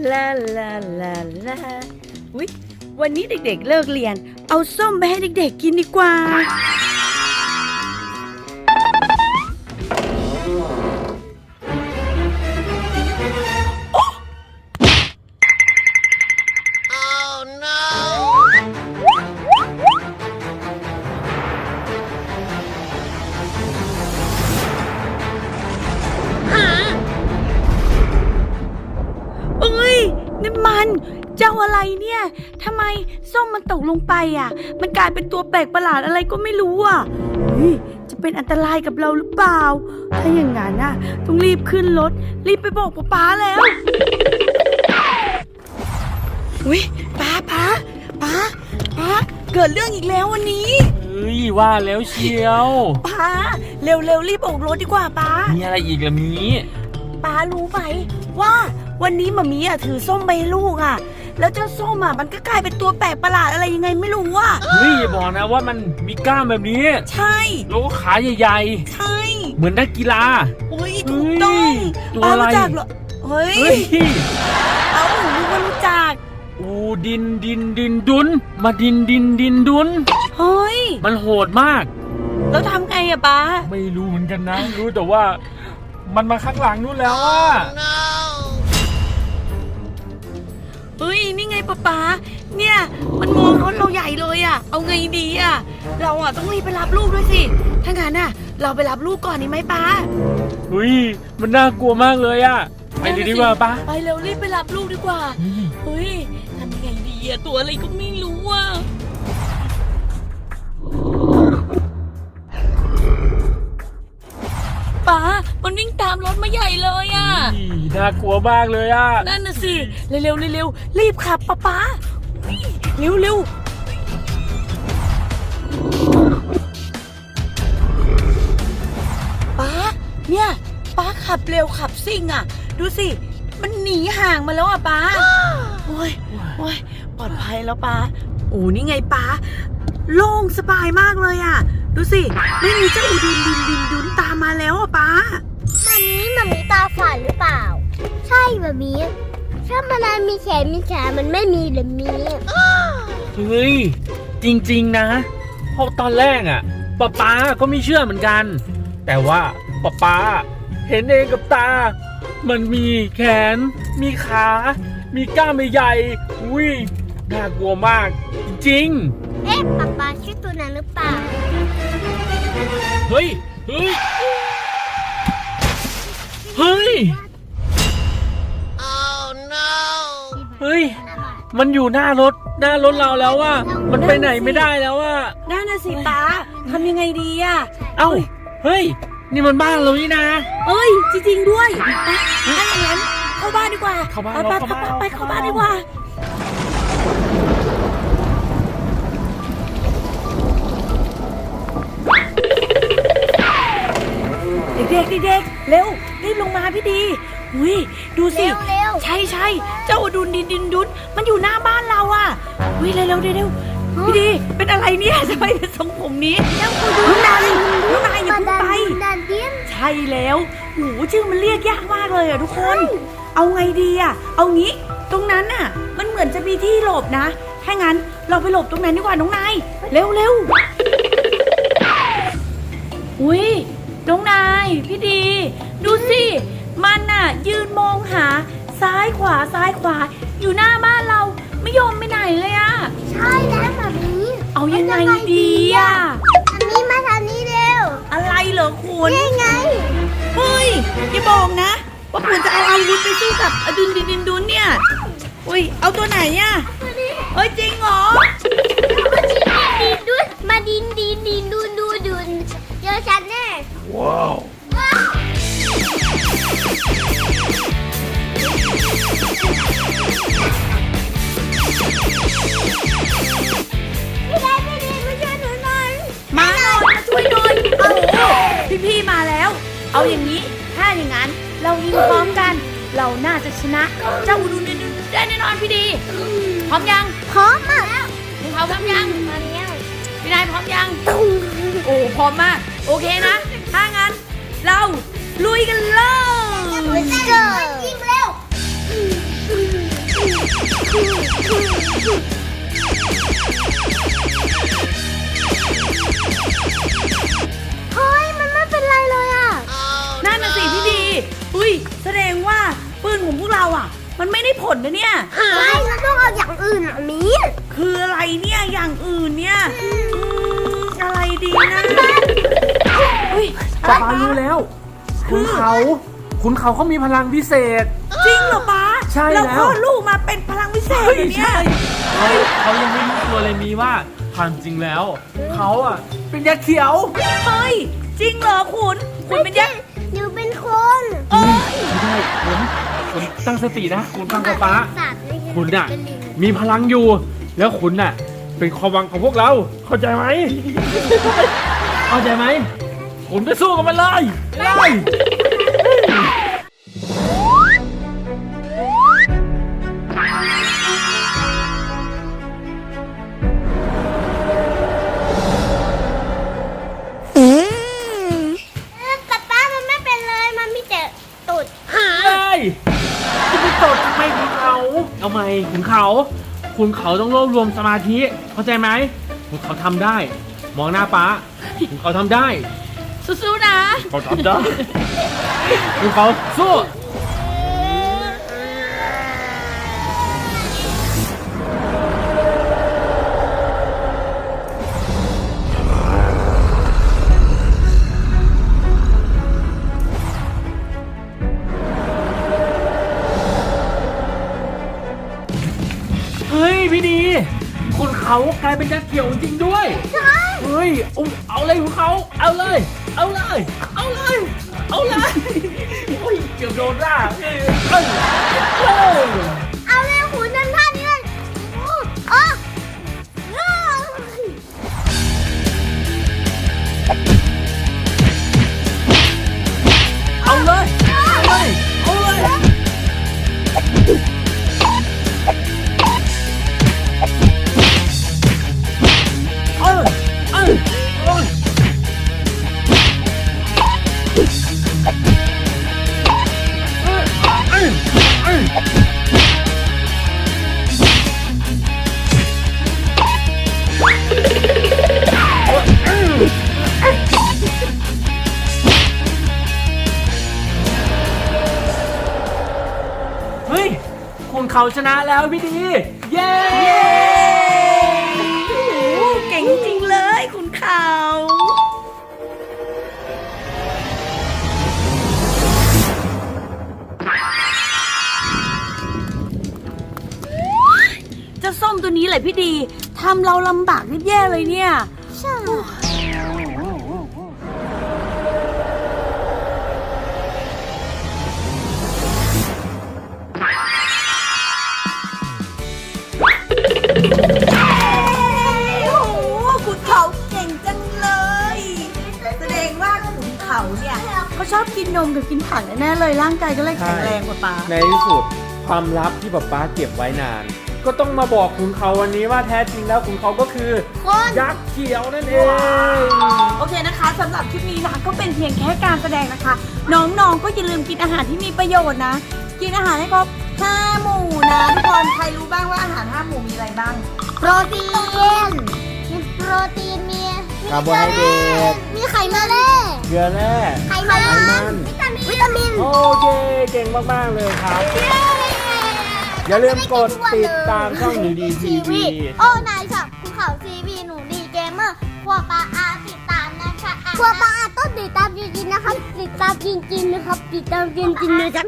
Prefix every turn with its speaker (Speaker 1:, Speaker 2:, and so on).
Speaker 1: ลาลาลาลาอุ๊ยวันนี้เด็กๆเลิกเรียนเอาส้มไปให้เด็กๆกินดีกว่านี่มันเจ้าอะไรเนี่ยทำไมส้มมันตกลงไปอ่ะมันกลายเป็นตัวแปลกประหลาดอะไรก็ไม่รู้อ่ะจะเป็นอันตรายกับเราหรือเปล่าถ้าอย่างนั้นน่ะต้องรีบขึ้นรถรีบไปบอกป๊าแล้วป๊าเกิดเรื่องอีกแล้ววันนี้
Speaker 2: ว่าแล้วเชียว
Speaker 1: ป๊าเร็วรีบออกรถดีกว่าป๊า
Speaker 2: มีอะไรอีกล่ะมี
Speaker 1: ป๊ารู้ไหมว่าวันนี้หม่ามีถือส้มไปให้ลูกแล้วเจ้าส้มมันก็กลายเป็นตัวแปลกประหลาดอะไรยังไงไม่รู้
Speaker 2: อย่าบอกนะว่ามันมีกล้ามแบบนี้
Speaker 1: ใช่
Speaker 2: แล้วก็ขาใหญ่
Speaker 1: ๆใช่
Speaker 2: เหมือนนักกีฬา
Speaker 1: ถูกต้อง
Speaker 2: ตัวอะไร
Speaker 1: รู้จักเหรอหนูก็รู้จัก
Speaker 2: ดินดุนมาดินดุนมันโหดมาก
Speaker 1: แล้วทำไงป๊า
Speaker 2: ไม่รู้เหมือนกันนะรู้แต่ว่ามันมาข้างหลังนู้นแล้ว
Speaker 1: นี่ไงป๊าเนี่ยมันมองรถเราใหญ่เลยเอาไงดีเราต้องรีบไปรับลูกด้วยสิถ้างั้นเราไปรับลูกก่อนดีไหมป๊า
Speaker 2: มันน่ากลัวมากเลยไปเลยดีกว่าป๊า
Speaker 1: ไปเร็วรีบไปรับลูกดีกว่าทำยังไงดีตัวอะไรก็ไม่รู้ป๊ามันวิ่งตามรถมาใหญ่เลย
Speaker 2: น่ากลัวมากเลย
Speaker 1: นั่นน่ะสิเร็วรีบขับป๊าเร็วป๊าเนี่ยป๊าขับเร็วขับซิ่งดูสิมันหนีห่างมาแล้วป๊าโอ้ยปลอดภัยแล้วป๊านี่ไงป๊าโล่งสบายมากเลยดูสิไม่มีเจ้าดุนตามมาแล้วป๊า
Speaker 3: มันมีตาฝาดหรือเปล่าใช่แบบนี้ถ้ามันมีแขนมันไม่มีหรือมี
Speaker 2: จริงๆนะเพราะตอนแรกป๊าก็ไม่เชื่อเหมือนกันแต่ว่าป๊าเห็นเองกับตามันมีแขนมีขามีกล้ามใหญ่น่ากลัวมากจริง
Speaker 3: ป๊าชื่อตัวนั้นหรือเปล่า
Speaker 2: เฮ้ยมันอยู่หน้ารถเราแล้วมันไปไหนไม่ได้แล้ว
Speaker 1: นั่นน่ะสิป๊าทำยังไงดี
Speaker 2: นี่มันบ้านเรานี่นะ
Speaker 1: จริงๆด้วยถ้าอย่างนั้นเข้าบ้านดีกว่าไปเข้าบ้านดีกว่าเด็กเร็วรีบลงมาพี่ดีดูสิใช่เจ้าดุนมันอยู่หน้าบ้านเราเร็วพี่ดีเป็นอะไรเนี่ยทำไมเป็นทรงผมนี้น้องนายอย่าเพิ่งไปใช่แล้วชื่อมันเรียกยากมากเลยทุกคนเอาไงดีเอางี้ตรงนั้นมันเหมือนจะมีที่หลบนะถ้างั้นเราไปหลบตรงนั้นดีกว่าน้องนายเร็วน้องนายพี่ดีดูสิมันยืนมองหาซ้ายขวาอยู่หน้าบ้านเราไม่ยอมไปไหนเลย
Speaker 3: ใช่แล้วแบบนี้
Speaker 1: เอายังไงดี
Speaker 3: อันนี้มาทางนี้เร็ว
Speaker 1: อะไรเหรอคุณ
Speaker 3: นี่ไง
Speaker 1: อย่าบอกนะว่าคุณจะเอาอาวุธไปสู้กับดุนเนี่ยเอาตัวไหนจริงเหรอ
Speaker 3: มาดินดุนเจอฉันแน่
Speaker 2: ว้าว
Speaker 3: พี่ดีมาช่วยหนูหน่อย
Speaker 1: มาช่วยหน่อยพี่มาแล้วเอาอย่างนี้ถ้าอย่างนั้นเรายิงพร้อมกันเราน่าจะชนะเจ้าดุนได้แน่นอนพี่ดีพร้อมยัง
Speaker 3: พร้อมแล้ว
Speaker 1: พร้อมยังพี่นายพร้อมยังพร้อมมากโอเคนะถ้างั้นเราลุยกันเลย
Speaker 3: ยิงเร็วเฮ้ยมันไม่เป็นไรเลยอ่ะ
Speaker 1: นั่นน่ะสิพี่ดีอุ้ยแสดงว่าปืนของพวกเราอ่ะ มันไม่ได้ผลนะเนี่ย
Speaker 3: ไม่เราต้องเอาอย่างอื่นอ่ะมี
Speaker 1: คืออะไรเนี่ยอย่างอื่นเนี่ยอะไรดีนะเฮ้ย
Speaker 2: ป๊าป๊ารู้แล้วขุนเขามีพลังพิเศษ
Speaker 1: จริงเหรอป๊า
Speaker 2: ใช่แล้ว
Speaker 1: คลอดลูกมาเป็นพลังวิเศษเหรอเนี่ย
Speaker 2: เขายังไม่รู้ตัวเลยมีว่าความจริงแล้วเขาอ่ะเป็นยักษ์เขียว
Speaker 1: เฮ้ยจริงเหรอคุณเป็นยักษ์
Speaker 3: อยู่เป็นคน
Speaker 1: เอ้ย
Speaker 2: ไม่ได้คุณตั้งสตินะคุณฟังป๊า
Speaker 3: สัตว์ไม่ใช่
Speaker 2: คุณน่ะ
Speaker 3: เป็นลิง
Speaker 2: มีพลังอยู่ แล้วคุณน่ะ เป็นความหวังของพวกเรา เข้าใจไหม เข้าใจไหมคุณไปสู้กับมันเลยเลย
Speaker 3: ป๊ามันไม่เป็นเลยมันมีแต่ตุด
Speaker 2: เลยจะไปตดทำไมขุนเขาเอาไหมขุนเขาต้องรวบรวมสมาธิเข้าใจไหมขุนเขาทำได้ มองหน้าป๊าขุนเขาทำได้
Speaker 1: สู้ๆนะ
Speaker 2: เขาทำได้ขุนเขาสู้เฮ้ยพี่ดีคุณเขากลายเป็นยักษ์เขียวจริงด้วยเฮ้ยเอาเลยคุณเขาเอาเลย เอาเลย เอาเลย เอาเลยโอ้ยเกือบโดนล่าเอ้ย
Speaker 3: เอาเลยหูนั่นท่านี้เลยโอ้โอ้
Speaker 2: เอาเลยเอาเลยเอาเลยเอ้ยเอ้ยเอ้ยเอ้ยเอ้ยเฮ้ยคุณเขาชนะแล้วพี่ดี เย้
Speaker 1: โอ้โหเก่งจริงเลยคุณเขาเจ้าส้มตัวนี้แหละพี่ดีทำเราลำบากนิดแย่เลยเนี่ย
Speaker 3: ใช่
Speaker 1: โอ้โหขุนเขาเก่งจังเลย แสดงว่าขุนเขาเนี่ยเขาชอบกินนมกับกินผักแน่ๆเลยร่างกายก็เลยแข็งแรงกว่าป๊า
Speaker 2: ในที่สุดความลับที่ป๊าป๊าเก็บไว้นาน ก็ต้องมาบอกขุนเขาวันนี้ว่าแท้จริงแล้วขุนเขาก็คือ
Speaker 3: คน
Speaker 2: ยักษ์เขียวนั่นเอง
Speaker 1: โอเคนะคะสำหรับคลิปนี้นะก็เป็นเพียงแค่การแสดงนะคะ น้องๆก็อย่าลืมกินอาหารที่มีประโยชน์นะ กินอาหารให้ครบ5 หมู่นะทุกคนใครรู้บ้างว่าอาหาร5 หมู่มีอะไรบ้าง
Speaker 3: โปรตีน มีโปรตีน มี
Speaker 2: คาร์โบไฮเดรต
Speaker 3: มีไขมัน
Speaker 2: เกลือแร่
Speaker 3: ไขมัน วิตามิน
Speaker 2: โอเคเก่งมากๆเลยครับ อย่าลืมกดติดตามช่องดีดีทีวี
Speaker 3: โอ้นายสับภูเขาทีวีหนูดีเกมเมอร์ครัวปลาอาติดตามนะคะครัวปลาอาต้องติดตามจริงๆนะครับ ติดตามจริงๆนะครับ ติดตามจริงๆนะครับ